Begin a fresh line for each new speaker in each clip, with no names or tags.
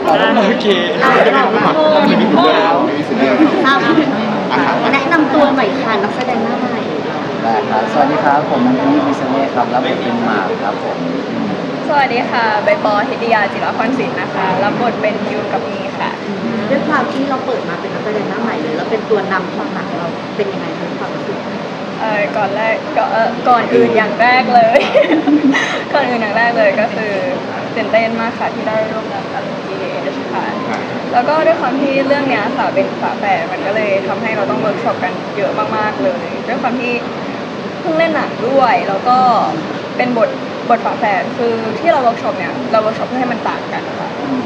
โอเค
เรา
ไม่มีถึงเรื่องไม่มีถึงเรื่อง
ทราบแนะนำตัวหน่อยค่ะนักแสดงหน้าใหม่
ได้ครับสวัสดีครับผมนันนี่มิสเน่ครับรับบทเป็นหมากครับผม
สวัสดีค่ะใบปอฮิตยาจิรพรศิลป์นะคะรับบทเป็นยูกับมีค่ะ
ด้วยความที่เราเปิดมาเป็นนักแสดงหน้าใหม่เลยแล้วเป็นตัวนำของหนังเราเป็นยังไงคะความรู้สึก
ก่อนอื่นอย่างแรกเลย ก่อนอื่นอย่างแรกเลยก็คือตื่นเต้นมากค่ะที่ได้ร่วมงานกับ GDH ค่ะแล้วก็ด้วยความที่เรื่องเนี้ยค่ะเป็นฝาแฝดมันก็เลยทำให้เราต้องเวิร์กช็อปกันเยอะมากๆเลยด้วยความที่เพิ่งเล่นหนังด้วยแล้วก็เป็นบทฝาแฝดคือที่เราเวิร์กช็อปเนี่ยเราเวิร์กช็อปเพื่อให้มันต่างกันค่ะ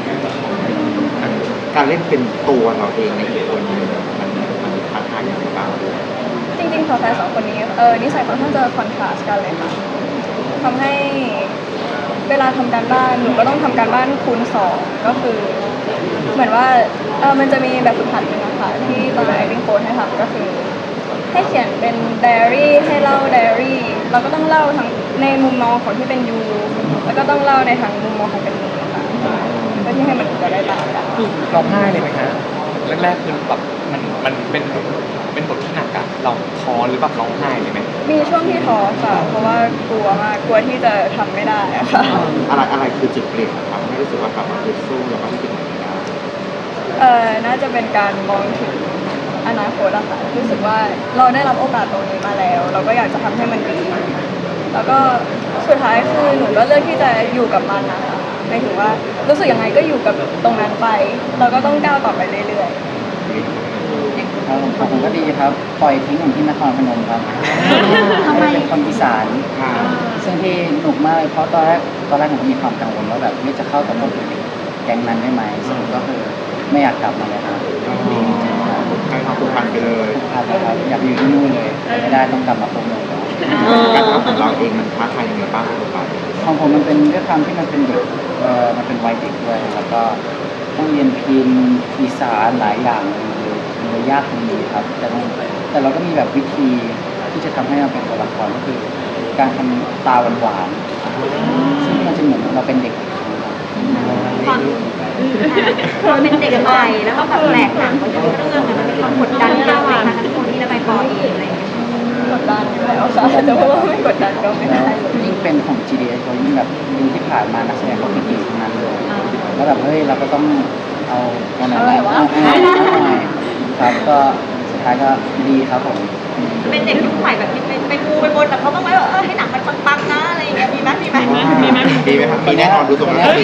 การเล่นเป็นตัวเราเองในอีกคนนึงมันท้าทายอย่างไรบ้าง
จริงๆฝาแฝดสองคนนี้นิสัยค่อนข้างจะคอนทราสต์กันเลยค่ะทำให้เวลาทำการบ้านหนูก็ต้องทำการบ้านคูณ2ก็คือเหมือนว่ามันจะมีแบบฝึกหัดนึงนะคะที่ตอน acting coach ให้ทำก็คือให้เขียนเป็นไดอารี่ให้เล่าไดอารี่เราก็ต้องเล่าทั้งในมุมมองของที่เป็นยูแล้วก็ต้องเล่าในทางมุมมองของเป็นมีค่ะเพื่อที่ให้มันจะได้ต่างกัน
ร้องไห้เลยไหมคะแรกๆคือแบบมันเป็นบทที่หนักอะเราท้อหรือแบบร้องไห้เลยไหม
มีช่วงที่ท้อค่ะเพราะว่ากลัวมากกลัวที่จะทำไม่ได้อะค่ะ
อะไรคือจุดเปลี่ยนครับให้รู้สึกว่ากลับมาฮึดสู้แล้วก็คิดแบบนี้ได้
น่าจะเป็นการมองถึงอนาคตอะค่ะรู้สึกว่าเราได้รับโอกาสตรงนี้มาแล้ว เราก็อยากจะทำให้มันดีแล้วก็สุดท้ายคือหนูก็เลือกที่จะอยู่กับมันนะคะหมายถึงว่ารู้สึกยังไงก็อยู่กับตรงนั้นไป เราก็ต้องก้าวต่อไปเรื่อยๆ
ครับผมก็ดีครับปล่อยทิ้งผมที่นครพนมครับ
ทำไม
เป็นคนอีสาน
ค่ะ
ซึ่งที่หนุกมากเลยเพราะตอนแรกผมก็มีความกังวลว่าแบบไม่จะเข้ากับพวกแก๊งนั้นได้ไหมสรุปก็คือไม่อยากกลับมาเลยครับดีจริงๆครับ
ให้ความผูกพันไปเลย
ครับอยากอยู่ที่นู่นเลยแต่ไม่ได้ต้องกลับมาพบเลยครับ
การทำของเราเองมันท้าทายยังไงบ้างครับ
ของผมมันเป็นด้วยความที่มันเป็นเด็กมันเป็นวัยเด็กด้วยแล้วก็ต้องเรียนพิมพ์อีสานหลายอย่างเลยยากตรงนี้ครับแต่เราก็มีแบบวิธีที่จะทำให้มันเป็นตัวละครก็คือ การทำตาหวานๆซึ่งมันจะเหมือนเราเป็นเด็ก
ความเราเป็นเด็กใหม่แล้วก็แบบแปลกหนังก็ทุกเรื่องมันมีความกดดันเราไหมคะทั้งคนที่และใบปอเองอะไรอย่างเงี้ย
กดดันอยู่แล้วค่ะแต่ว่าไม่กดดันก็ไม่ได้เลย
ยิ่งเป็นของ GDS เขายิ่งแบบดูที่ผ่านมานักแสดงเขาเก่งๆทั้งนั้นเลยแล้วแบบเฮ้ยเราก็ต้องเอาหน่อยครับก็สุดท้ายก็ดีครับผม
เป็นเด็กยุคใหม่แบบไปมูไปบนแต่เขาต้องไว้ว่าให้หนังมันปังๆนะอะไรอย่างเงี้ยมีไหม
ดีไหมครับมีแน่นอนดูตรงนั้น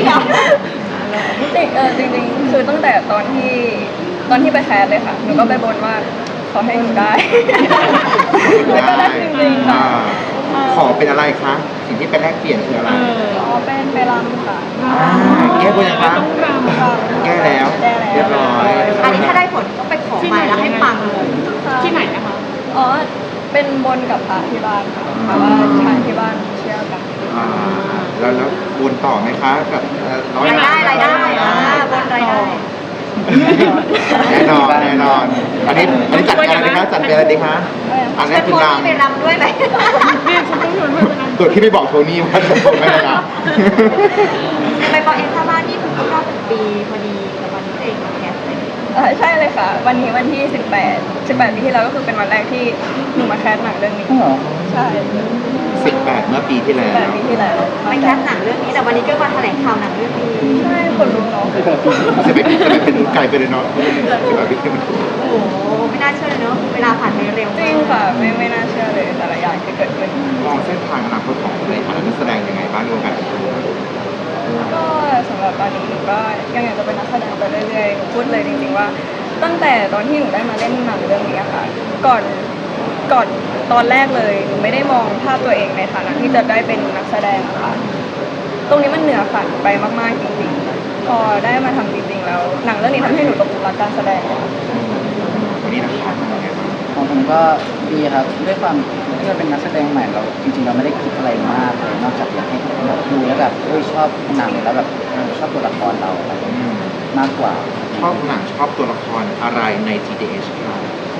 จริงๆคือตั้งแต่ตอนที่ไปแคสเลยค่ะหนูก็ไปบนว่าขอให้หนูได้ แล้วก็ได้จริงๆค่ะ
ขอเป็นอะไรคะสิ่งที่เป็นแลกเปลี่ยนคืออะไร
อ๋อเป็นไปรำค่ะ
แก้บนยังคะแก้แล้วเรียบร้อย
อันนี้ถ้าได้ผลต้องไปขอมาแล้วให้ปังเลย
ที่ไหนนะคะอ๋อเป็นบนกับพระที่บ้านค่ะเพราะว่าทางที่บ้านเชื่อกัน
แล้ววนต่อไหมคะกับร้อย
รายได้บนรายได้
แน่นอนอันนี้จัดอะไรดีคะจัดเป็นอะไรดีคะอันนี้
เป็น
คือ
คน
ร
ที่ไปรำด้วยไหม
ำตัวที่ไม่บอกโทนี่ว่าจะบอกไม่ได้นะ
ใบปอเองถ้าบ้านนี่คือครบรอบ1 ปีพอดีกับวันที่ตัวเองมาแคสเลย
ใช่เลยค่ะ วันนี้วันที่18ปีที่แล้วก็คือเป็นวันแรกที่หนูมาแคสหนังเรื่องนี้
เหรอ
ใช่
18เมื่อปีที่แล้ว
18ปีที่แล้ว
ไปแคสหนังเรื่องนี้แต่วันนี้ก็มาแถลงข่าวหนังเรื่องนี้
ใช่คนรู้เนาะ
จะเป็นไกลไปเลยเนาะ18ปีที่มัน
โอ้โหไม่น่าเชื่อเลยเนอะเวลาผ่านไปเร็ว
จริงค่ะไม่น่าเชื่อเลยแต่ละอย่างที่เกิดขึ้น
มองเส้นทางอนาคตของในฐานะนักแสดงยังไงบ้างในวงการบันเทิง
ก็สำหรับตอนนี้หนูก็ยังอยากจะเป็นนักแสดงไปเรื่อยๆหนูพูดเลยจริงๆว่า ตั้งแต่ตอนที่หนูได้มาเล่นหนังเรื่องนี้ค่ะก่อนตอนแรกเลยหนูไม่ได้มองภาพตัวเองในฐานะที่จะได้เป็นนักแสดงอะค่ะตรงนี้มันเหนือฝันไปมากๆจริงๆพอได้มาทำจริงๆแล้วหนังเรื่องนี้ทำให้หนูตกหลุมรักการแสดงค่ะ
วันนี้นะครับ
ของผมก็ดีครับด้วยความที่เราเป็นนักแสดงใหม่เราจริงๆเราไม่ได้คิดอะไรมากเลยนอกจากอยากให้คนแบบดูแล้วแบบชอบหนังแล้วแบบชอบตัวละครเราอะไรมากกว่า
ชอบหนังชอบตัวละครอะไรใน GDH ครับ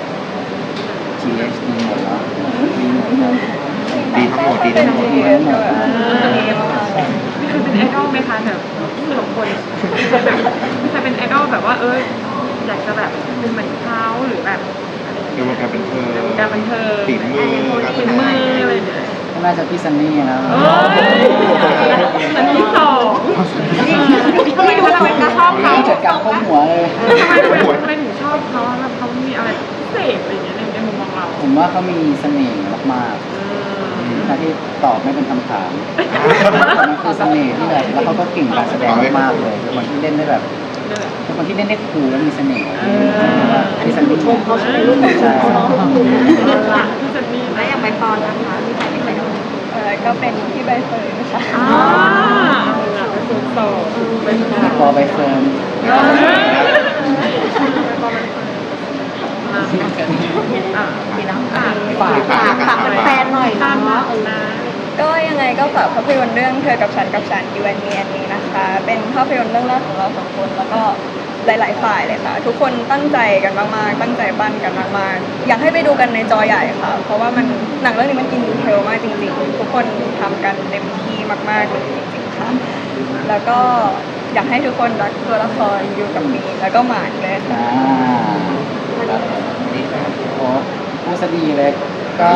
GS มีหมดแล้วมีหมดครับ
ดีทั้งหมดดีทั้งหมด
ดีทั้งหมดดีมาก
คือเป็นไอดอลไหมคะแบบสองคนแบบใครแบบว่าอยากจะแบบเป็นเหมือนเขาหรือแบบอะไรอย่าง
ใน
เงี้ยว
งการบันเทิง
ในวงการบันเทิง
ฝีมือการ
ฝี
แสด
มือง อะไรอย่างเงี้ย
ก็น่าจะพี่ซันนี่นะ
โอ้ยอันที่สอง
นี่ดูเราเป็นนักชอบเขา
จัดการข้อหัวเลย
ทำไมถึงชอบเขาแล้วเขามีอะไรพิเศษอะไรอย่างเงี้ยในมุมมองเรา
ผมว่าเขามีเสน่ห์มากๆถ้าที่ตอบไม่เป็นคำถามมันคือเสน่ห์ที่แบบแล้วเขาก็เก่งการแสดงมากๆเลยเป็นคนที่เล่นได้แบบเป็นคนที่เล่นได้คูลและมีเสน่ห์พี่ซันนี่ชมเขาใช่ไหมลูกใช่
พี่ซันนี่
แล้วอย่างใบปอนนะคะมีใครเป็นใครบ้าง
ก็เป็นพี่ใบเฟิร์นค่ะ
เป็นสูงโตเป็น
พอใบเฟิร์น
พี่น้อง
ฝาก
แฟนๆหน่อย
ตาม
เนาะ
นะ
ก็ยังไงก็ฝากภาพยนตร์เรื่องเธอกับฉันกับฉันยูแอนมีอันนี้นะคะ เป็นภาพยนตร์เรื่องแรกของเราสองคนแล้วก็หลาย ๆ ฝ่ายเลยค่ะ ทุกคนตั้งใจกันมากๆตั้งใจปั้นกันมากๆอยากให้ไปดูกันในจอใหญ่ค่ะ เพราะว่ามันหนังเรื่องนี้มันอินดีเทลมากจริงๆทุกคนทำกันเต็มที่มากๆเลยจริงๆค่ะ แล้วก็อยากให้ทุกคนรักตัวละครอยู่กับมีแล้วก็หมานเลยค่ะ
ครับโอ้พูดซะดีเลยก็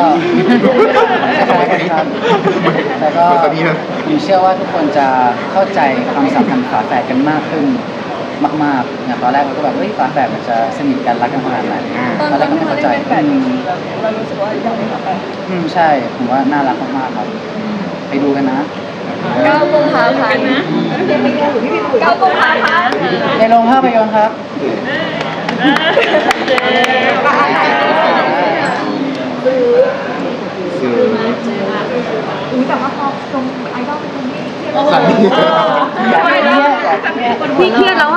ครับแต่ก็ผมเชื่อว่าทุกคนจะเข้าใจความสัมพันธ์ฝาแฝดกันมากขึ้นมากๆอย่างตอนแรกเราก็แบบเฮ้ยฝาแฝดมันจะสนิทกันรักกันขนาดไหน
ตอน
ตอนแรกก็
ที่
ไม่
มา
เข้า
เล่น
ใจ
เป็นแฟนจริงๆเรารู้สึกว่าอยากเป็นแฟน
ใช่ผมว่าน่ารักมากๆครับ ไปดูกันนะ
9 กุมภาพันธ์9 กุมภาพันธ์
ในโรงภาพยนตร์ครับ
สื่อ
แต่ว่าพอชมไอดอลเป็นคนที่เครียด
สันนี่
อยากเครียดอยากเครียด
พี่เครียดแล้ว